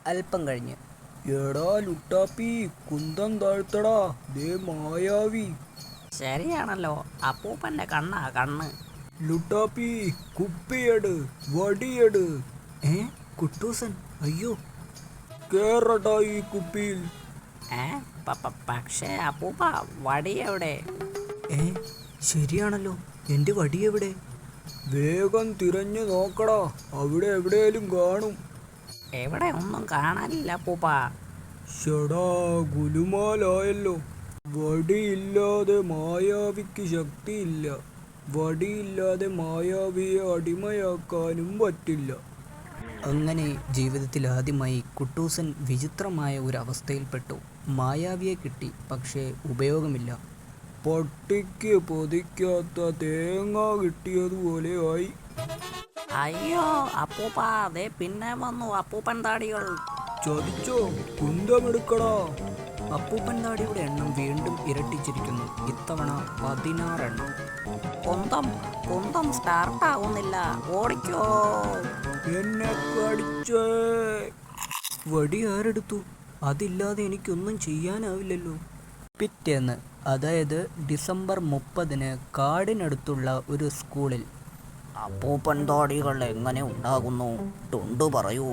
അല്പം കഴിഞ്ഞ്. എടാ ലുട്ടാപ്പി, കുന്തം താഴ്ത്തടാ, ദേ മായാവി. ശരിയാണല്ലോ, അപ്പൂപ്പൻ്റെ കണ്ണാ കണ്ണ്. ലുട്ടാപ്പി, കുപ്പിയെട്, വടിയെട്. കുട്ടൂസൻ, അയ്യോ. കേറടാ ഈ കുപ്പിയിൽ. പക്ഷേ അപ്പൂപ്പ, വടി എവിടെ? ശരിയാണല്ലോ, എൻ്റെ വടി എവിടെ? വേഗം തിരഞ്ഞു നോക്കടാ, അവിടെ എവിടെയും കാണും. എവിടെ ഒന്നും കാണാനില്ല അപ്പൂപ്പ. ഷടാ, ഗുലുമാലായല്ലോ. വടിയില്ലാതെ മായാവിക്ക് ശക്തിയില്ല. വടിയില്ലാതെ മായാവിയെ അടിമയാക്കാനും പറ്റില്ല. അങ്ങനെ ജീവിതത്തിൽ ആദ്യമായി കുട്ടൂസൻ വിചിത്രമായ ഒരു അവസ്ഥയിൽപ്പെട്ടു. മായാവിയെ കിട്ടി, പക്ഷേ ഉപയോഗമില്ല. പട്ടിക്ക് പൊതിക്കാത്ത തേങ്ങ കിട്ടിയതുപോലെ ആയി. അയ്യോ അപ്പൂപ്പ, ദേ പിന്നെ വന്നു അപ്പൂപ്പൻ താടികൾ. ചതിച്ചോ? കുന്തമെടുക്കടാ. അപ്പൂപ്പൻ താടിയുടെ എണ്ണം വീണ്ടും ഇരട്ടിച്ചിരിക്കുന്നു. ഇത്തവണ 16 എണ്ണം. കുന്തം സ്റ്റാർട്ടാവുന്നില്ല. ഓടിക്കോ. എന്നെ കടിച്ചേ. വടി ആരെടുത്തു? അതില്ലാതെ എനിക്കൊന്നും ചെയ്യാനാവില്ലല്ലോ. പിറ്റേന്ന്, അതായത് ഡിസംബർ 30-ന് കാടിനടുത്തുള്ള ഒരു സ്കൂളിൽ. അപ്പൂപ്പൻ താടികൾ എങ്ങനെ ഉണ്ടാകുന്നു? ടുണ്ടു പറയൂ.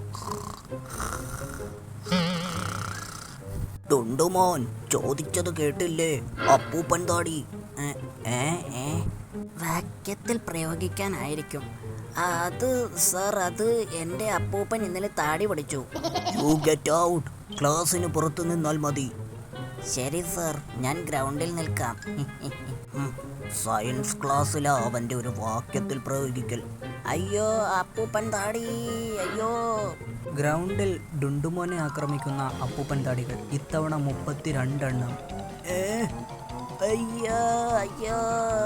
ടുണ്ടുമോൻ ചോദിച്ചത് കേട്ടില്ലേ? അപ്പൂപ്പൻ താടി വാക്യത്തിൽ പ്രയോഗിക്കാനായിരിക്കും. അത് സർ, അത് എൻ്റെ അപ്പൂപ്പൻ ഇന്നലെ താടി പഠിച്ചു. You get out. ക്ലാസ്സിന് പുറത്തു നിന്നാൽ മതി. ശരി സർ, ഞാൻ ഗ്രൗണ്ടിൽ നിൽക്കാം. സയൻസ് ക്ലാസ്സിലാ അവൻ്റെ ഒരു വാക്യത്തിൽ പ്രയോഗിക്കൽ. അയ്യോ അപ്പൂപ്പൻ താടി, അയ്യോ. ഗ്രൗണ്ടിൽ ഡുണ്ടുമോനെ ആക്രമിക്കുന്ന അപ്പൂപ്പൻ താടികൾ. ഇത്തവണ 32 എണ്ണം. അയ്യോ അയ്യോ.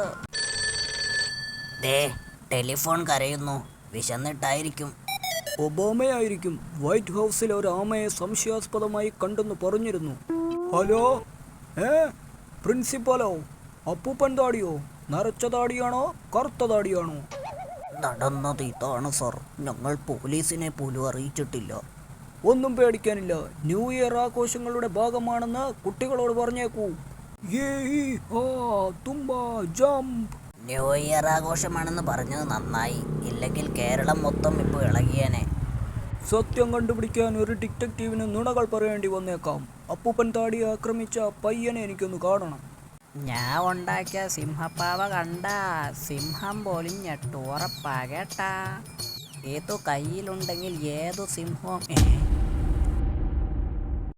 ദേ, ടെലിഫോൺ കരയുന്നു. വിശന്നിട്ടായിരിക്കും. ഒബാമയായിരിക്കും. വൈറ്റ് ഹൗസിൽ ഒരു ആമയെ സംശയാസ്പദമായി കണ്ടെന്ന് പറഞ്ഞിരുന്നു. ഹലോ, പ്രിൻസിപ്പലോ? അപ്പൂപ്പൻ താടിയോ? നരച്ച താടിയാണോ കറുത്ത താടിയാണോ? നടന്നത് ഇതാണ് സർ. ഞങ്ങൾ പോലീസിനെ പോലും അറിയിച്ചിട്ടില്ല. ഒന്നും പേടിക്കാനില്ല. ന്യൂ ഇയർ ആഘോഷങ്ങളുടെ ഭാഗമാണെന്ന് കുട്ടികളോട് പറഞ്ഞേക്കൂ. ന്യൂ ഇയർ ആഘോഷമാണെന്ന് പറഞ്ഞത് നന്നായി. ഇല്ലെങ്കിൽ കേരളം മൊത്തം ഇപ്പോൾ ഇളകിയേനെ. സത്യം കണ്ടുപിടിക്കാൻ ഒരു ഡിറ്റക്റ്റീവിന് നുണകൾ പറയേണ്ടി വന്നേക്കാം. അപ്പൂപ്പൻ താടിയെ ആക്രമിച്ച പയ്യനെ എനിക്കൊന്ന് കാണണം. ഞാൻ ഉണ്ടാക്കിയ സിംഹപ്പാവ കണ്ട സിംഹം പോലും ഞെട്ടു. ഉറപ്പാ കേട്ടാ. ഏതു കയ്യിലുണ്ടെങ്കിൽ ഏതു സിംഹവും